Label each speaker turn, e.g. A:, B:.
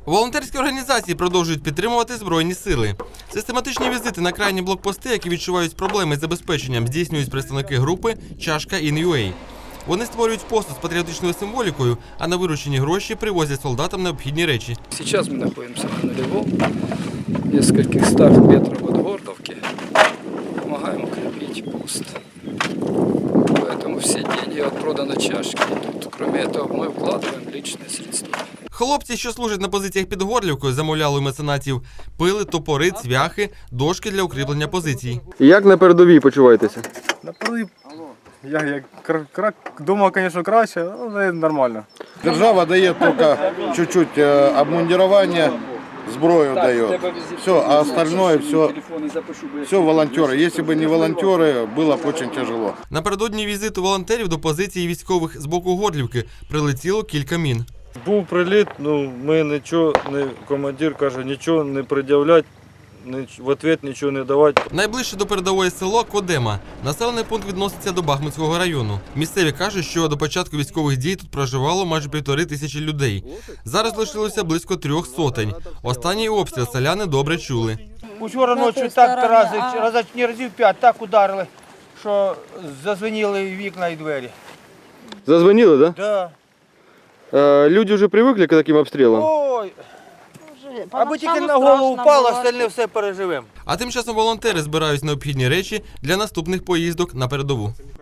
A: Волонтерські організації продовжують підтримувати Збройні сили. Систематичні візити на крайні блокпости, які відчувають проблеми з забезпеченнем, здійснюють представники групи «Чашка In.UA». Вони створюють посуд з патріотичною символікою, а на виручені гроші привозять солдатам необхідні речі.
B: Сейчас мы находимся на нулевом, в нескольких стах метров от Гордовки. Помогаем укрепить пост. Поэтому все деньги от продана чашки идут. Кроме этого, мы вкладываем личные средства.
A: Хлопці, що служать на позиціях під Горлівкою, замовляли у меценатів пили, топори, цвяхи, дошки для укріплення позицій.
C: Як на передовій почуваєтеся?
D: На передовій, думав, звісно, краще, але нормально.
E: Держава дає тільки чуть-чуть обмундирование, зброю дає. Все, а остальное все волонтеры. Если бы не волонтеры, было бы очень тяжело.
A: Напередодні візиту волонтерів до позиції військових з боку Горлівки прилетіло кілька мін.
D: Був приліт, ми нічого, командир каже, нічого не пред'являти, в відповідь нічого не давати.
A: Найближче до передової село Кодема. Населений пункт відноситься до Бахмутського району. Місцеві кажуть, що до початку військових дій тут проживало майже 1500 людей. Зараз лишилося близько 300. Останній обстріл селяни добре чули.
F: Учора ночі так разів 5 так ударили, що зазвеніли вікна і двері.
C: Зазвонили, так?
F: Да.
C: Люди вже привикли к таким обстрілам?
F: Ой, аби тільки на голову впало, остальне все переживемо.
A: А тим часом волонтери збирають необхідні речі для наступних поїздок на передову.